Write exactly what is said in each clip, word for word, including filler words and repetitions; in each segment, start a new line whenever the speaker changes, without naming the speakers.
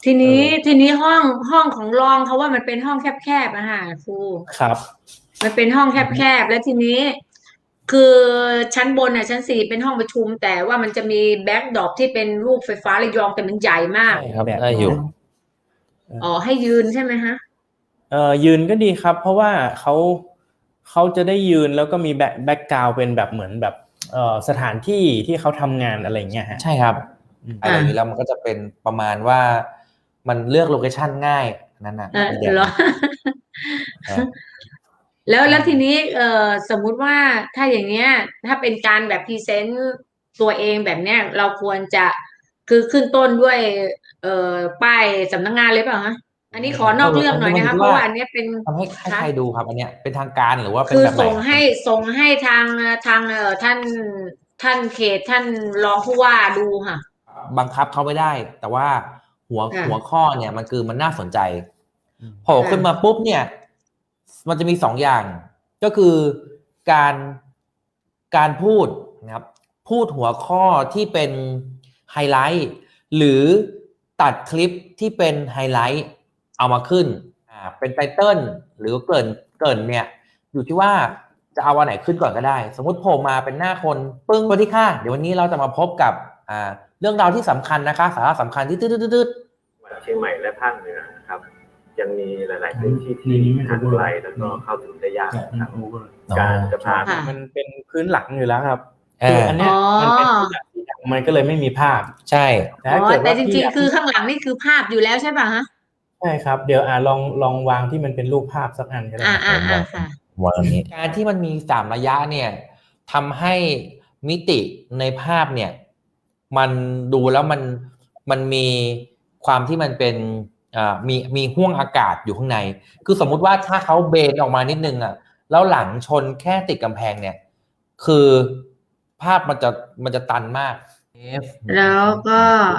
ที
เอ
นี้
อ
ทีนี้ห้องห้องของรองเขาว่ามันเป็นห้องแคบๆอะค่ะครู
ครับ
มันเป็นห้อง
อือฮึ
แคบๆแล้วทีนี้คือชั้นบนอ่ะชั้นสี่เป็นห้องประชุมแต่ว่ามันจะมีแบ็กดรอปที่เป็นรูปไฟฟ้าระยองแต่มันใหญ่มาก
ใช่ครับ
แบบ
ได้อยู่
นั้น
เออ
อ๋อให้ยืนใช่ไหมฮะ
เอ่อยืนก็ดีครับเพราะว่าเขาเขาจะได้ยืนแล้วก็มีแบ็คแบ็คกราวด์เป็นแบบเหมือนแบบเอ่อสถานที่ที่เขาทำงานอะไรอย่างเงี้ยฮะ
ใช่ครับ
อืม
อะไรอย่างนี้แล้วมันก็จะเป็นประมาณว่ามันเลือกโลเคชั่นง่ายนั่นน่ะ
เออ
อีกแบบ
เหรอ
หนึงครับ
แล้ว
ใช่
แล้วทีนี้เอ่อสมมุติว่าถ้าอย่างเนี้ยถ้าเป็นการแบบพรีเซนต์ตัวเองแบบเนี้ยเราควรจะคือขึ้นต้นด้วยเอ่อป้ายสำนักงานเลยเปล่าฮะอันนี้ขอน
เอ
อกเรื่อง
ออันนี้
หน่อยนะคะ
มันอยู่ที่ว่า
เพราะว่าอันเนี้ยเป็น
ทำให้ให้
คะ
ใครดูครับอันเนี้ยเป็นทางการหรือว่าเป็น
คือ
แบบไหนครับเป็น
ส่งให้ส่งให้ทางทางเอ่อท่านท่านเขตท่านรองผู้ว่าดูค่ะ
บังคับเขาไม่ได้แต่ว่าหัวหัว
ค่ะ
ข้อเนี่ยมันคือมันน่าสนใจ
อืม
โผล่ขึ้นมา
ค่ะ
ปุ๊บเนี่ยมันจะมีสองอย่างก็คือการการพูดนะครับพูดหัวข้อที่เป็นไฮไลท์หรือตัดคลิปที่เป็นไฮไลท์เอามาขึ้นอ่าเป็นไตเติ้ลหรือเกริ่นเกริ่นเนี่ยอยู่ที่ว่าจะเอาอันไหนขึ้นก่อนก็ได้สมมุติโผล่มาเป็นหน้าคนปึ้งสวัสดีค่ะเดี๋ยววันนี้เราจะมาพบกับอ่าเรื่องราวที่สำคัญนะคะสาระสำคัญที่ตืดๆ
เชียงใหม่และภาคเหนือครับยังมีหลาย ๆ พื้นที่ที่ห่างไกลแล้วก็เข้าถึงได้ยากครับการจะพา
ค่ะ
มันเป็นพื้นหลังอยู่แล้วครับ
เอ
คือ
อ
อันเนี้ยมันเป็นพื้นหลังที่ดังมันก็เลยไม่มีภาพ
ใช่
แต่
อ๋อ
ถ้าเกิด
แต่จริง
ว่าพี่อยาก
ๆคือข้างหลังนี่คือภาพอยู่แล้วใช่ป่ะฮะ
ใช่ครับเดี๋ยวอ่าลองลองวางที่มันเป็นรูปภาพสักอันก็ได้
อ่า
ครับ
อ่าอ่าค่ะ
วางนี้การที่มันมีสามระยะเนี่ยทำให้มิติในภาพเนี่ยมันดูแล้วมันมันมีความที่มันเป็นอ่ามีมีห่วงอากาศอยู่ข้างในคือสมมุติว่าถ้าเขาเบนออกมานิดนึงอ่ะแล้วหลังชนแค่ติดกำแพงเนี่ยคือภาพมันจะมันจะตันมาก F
แล้วก็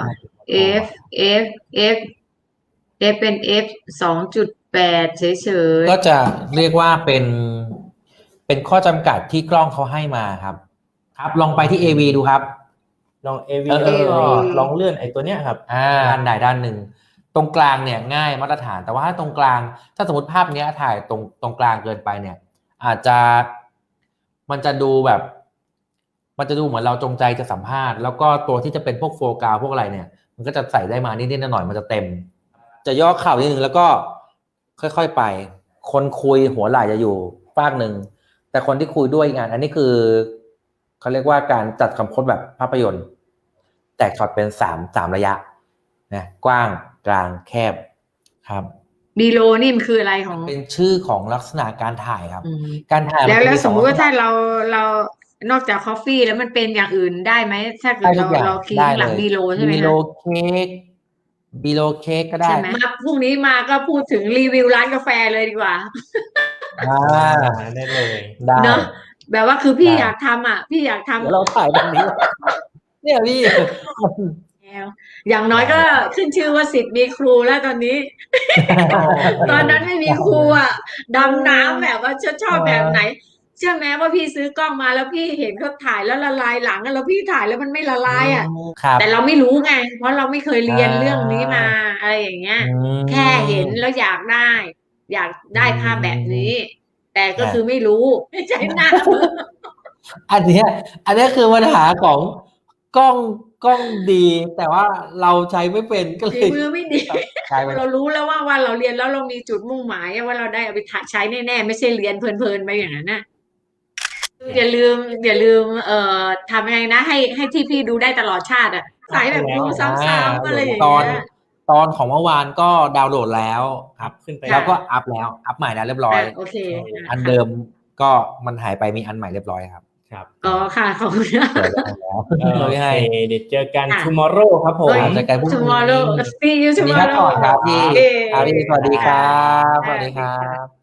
F F F F เป็น F สองจุดแปดเฉย
ก็จะเรียกว่าเป็นเป็นข้อจำกัดที่กล้องเขาให้มาครับ ครับลองไปที่ เอ วี ดูครับ
ลอง เอ วี
เออ
แล้วก็
เอ วี
ลองเลื่อนไอ้ตัวเนี้ยครับ
อ่าด้านใดด้านหนึ่งตรงกลางเนี่ยง่ายมาตรฐาน แต่ว่าถ้าตรงกลางถ้าสมมติภาพเนี้ยถ่ายตรงตรงกลางเกินไปเนี่ย อาจจะมันจะดูแบบ มันจะดูเหมือนเราจงใจจะสัมภาษณ์แล้วก็ตัวที่จะเป็นพวกโฟกัสพวกอะไรเนี่ย มันก็จะใส่ได้มานิดๆหน่อยๆมันจะเต็ม จะย่อเข่านิดนึงแล้วก็ค่อยๆไป คนคุยหัวไหล่จะอยู่ฟากหนึ่งแต่คนที่คุยด้วยงาน อันนี้คือเขาเรียกว่าการจัดคำพจน์แบบภาพยนตร์ แตกช็อตเป็นสามสามระยะนะกว้างกลางแคบครับ
บีโลนี่มันคืออะไรของ
เป็นชื่อของลักษณะการถ่ายครับ
อืม
การถ่าย
แล้ว
นจะ
แล้วสมมติว่า
ลักษณะ
ถ้าเราเรานอกจากคอฟฟี่แล้วมันเป็นอย่างอื่นได้ไหมถ้าเกิ
ได้
ด
ทุ
เรา
กอย่าง
เราคีย์
ได้
ข้างห
เล
ลัง
ย
บีโลใช่ไหม
บีโล
คะ
เค้กบีโลเค้กก็ได้
ใช่ไหมมาพรุ่งนี้มาก็พูดถึงรีวิวร้านกาแฟเลยดีกว่า
อ่า
ได้เลย
ได้
เนอะแบบว่าคือพี่
ได้
อยากทำอ่ะ พี่อยากทำ
เดี๋ยวเราถ่ายแบบนี้ เนี่ยพี่
แล้วอย่างน้อยก็ขึ้นชื่อว่าสิทธิ์มีครูแล้วตอนนี้ ตอนนั้นไม่มีครูอ่ะดำน้ำแบบว่าชอบชอบแบบไหน เชื่อไหมว่าพี่ซื้อกล้องมาแล้วพี่เห็นเขาถ่ายแล้วละลายหลังอะแล้วพี่ถ่ายแล้วมันไม่ละลายอ่ะ
ครับ
แต่เราไม่รู้ไง เพราะเราไม่เคยเรียน
อ่า
เรื่องนี้มาอะไรอย่างเงี้ย
อืม
แค่เห็นแล้วอยากได้ อยากได้ภาพแบบนี้ แต่ก็
อ่า
คือไม่รู้ไม่ใช่หน้ามือ
อันเนี้ยอันเนี้ยคือปัญหาของกล้องกล้องดี แต่ว่าเราใช้ไม่เป็นก็เล
ฝี
ย
มือไม่ดี
ใช้ไม่
เรารู้แล้วว่าว่าเราเรียนแล้วเรามีจุดมุ่งหมายว่าเราได้เอาไปใช้แน่ๆไม่ใช่เรียนเพลินๆไปอย่างนั้นนะอย่าลืม อย่าลืม เอ่อทำยังไงนะให้ให้ที่พี่ดูได้ตลอดชาติอ่ะสายแบบดูซ้ำๆอะไรอย่าง
ตอน
เงี้ย
ตอนของเมื่อวานก็ดาวน์โหลดแล้วครับ
ขึ้นไป
แล้วก็อัพแล้วอัพใหม่แล้วเรียบร้อย
อ่ะโอเค
อันเดิมก็มันหายไปมีอันใหม่เรียบร้อยครับ
ครับ
อ๋อค่ะขอบคุณนะ
เปิดแล้วแล้ว
เออโอ
ไม่
เค
ให้
เดี๋ยวเจอกัน
ค่ะ
tomorrow ครับผม
เฮ้ย
เจอกันพรุ่งนี้
tomorrow see you
วันนี้ครับ
tomorrow
ก่อนครับพี่
โอเค
อาพี่สวัสดีครับ
ค่ะ
สวัสดีครับ